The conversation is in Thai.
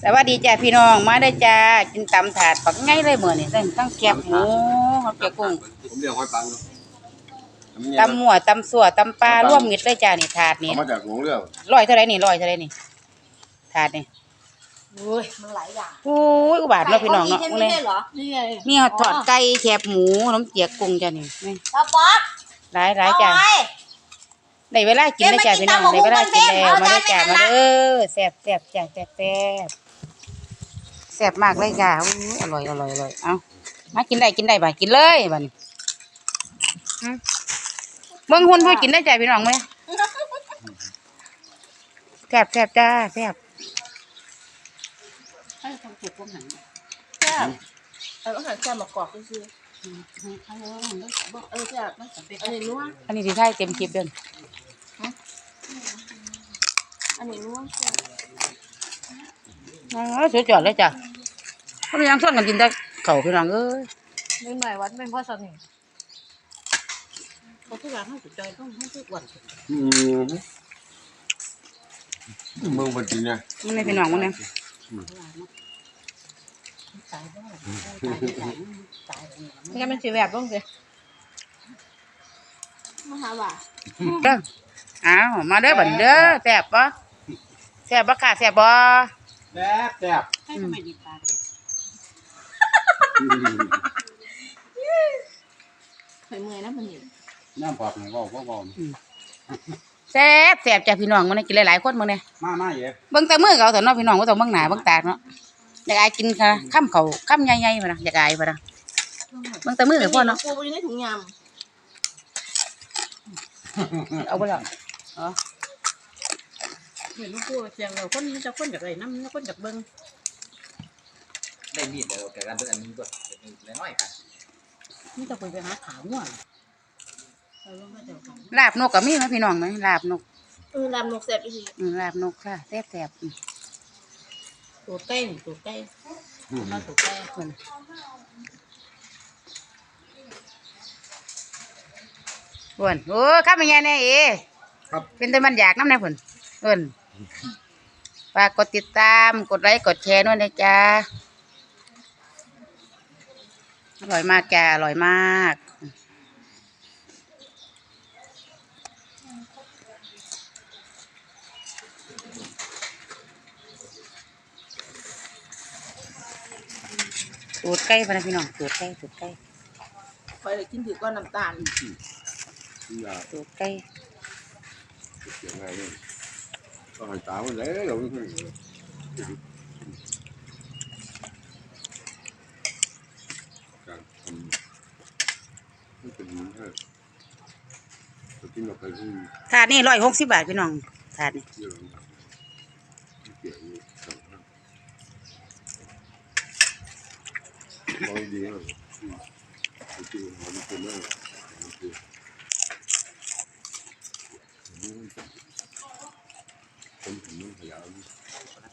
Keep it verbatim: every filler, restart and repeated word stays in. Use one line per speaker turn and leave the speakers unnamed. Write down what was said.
สวัสดีจ้าพี่น้องมาได้จ้ากินตำถาดปักไงเลยเหมือนนี่ตั้งแคบหมูเขาเจียวกุ้ง
ผมเรียกห้อยปัง
ตำหมั่วตำสั่วตำปลาร่วมมิตรเลยจ้านี่ถาดนี่
เอามาจากหลวงเรื่อง
ร้อยเท่าไรนี่ร้อยเท่าไรนี่ถาดนี่
โอ้ยมันหลายอย่าง
โอ้ยอุบาทเนาะพี่น้องเนาะ
ไม่ใช่เหรอนี่ไง
มีทอดไก่แคบหมูน้ำเจียกุ้งจ้านี่
ปลาป๊อก
หลายหลายจ้าได้เวลากินแล้วจ้าพี่น้องได้เวลากินแล้วมาได้จ้ามาเด้อแซ่บแซ่บจ้าแซ่บแซ่บแซ่บมากเลยจ้าอร่อยอร่อยอร่อยเอามากินได้กินได้บ่ากินเลยบ่นี่เบิ่งหุ่นเพื่อกินได้ใจพี่น้องไหมแซ่บแซ่บจ้าแซ่บให้ทำเก็บพวกหัน
แซ่บเอออาหารแซ่บมากรอกก็คือเออแซ่บอันนี้นัว
อันนี้ที่ใช่เต็มคลิปเดิน
อันนี้นัว
อ๋อสุดยอดเลยจ้ะเขาไม่ยังส่วนกันกินได้เข่าพี่น้องเอ้ย
ไม่ใหม่วัดเป็นพ่อสนิทเขาทุกอย่างให้สุดใจต้องให้ทุกวัน
อืมมึงมากินเนี่ย
มันในพี่น้องมันเนี่ย
นี่ก็เป็นสีแบบบ้างสิมาหาว่า
เด้ออ้าวมาเด้อบันเด้อแซ่บปะแซ่บปะค่ะแซ่บปะ
แซ่บแซ่บ
ให้ทำไมดีปากเคยเมื่อยนะมันนี่
น้ำปอกหนึ่งก็ก็ก็
แซ่บแซ่บจ้ะพี่น้องมันกินหลายๆคนมึงเนี่ย
มามาเยอะ
เบิ่งแต่มือเขาแต่น้องพี่น้องก็ต้องเบิ่งหน้าเบิ่งตาเนาะอยากอายกินค่ะข้ามเขาข้ามใหญ่ๆมานะอยากอายมานะเบิ่งแต่มือพ่อเนาะ
กูไปในถุงยำ
เอาไปแล้วอ๋อ
เห็นลูกกูเสียงเราคนจะคนจากไรน้ำคนจากเบิ้ง
ได้มีดเดียวกันเป็นอันนี้ก็เป็นน้อยกัน
นี่จะไปไปหาขาวมั่ว
ลาบนกกับมีไหมพี่น้องไหมลาบนก
เออลาบนกแซ่บอีก
ลาบนกค่ะแซ่บแซ่บ
ตัวใกล้ตัวใกล้มาตัวใกล้
คนคนโอ้ข้ามันยังไงเอ๋เป็นแต่มันอยากน้ำในผลเอิญฝากกดติดตามกดไลค์กดแชร์ด้วยนะจ๊ะอร่อยมากจ้าอร่อยมากตูดไก่พนะพี่น้องตูดไก่ตูดไก่
ไปเลยกินถือก้อนน้ำตาล
ตูดไก่
เสียงอะไรเนี่ยก็ให้ตามันเลยเราไม่เคยการทำไม่เป็นนี้ฮะจะกินกับใครที่
ถาดนี่ร้อยหกสิบบาทพี่น้องถาดนี่
ร้อยดีอ่ะจริงๆมันเป็นอะไรผมถึงไม่พยายาม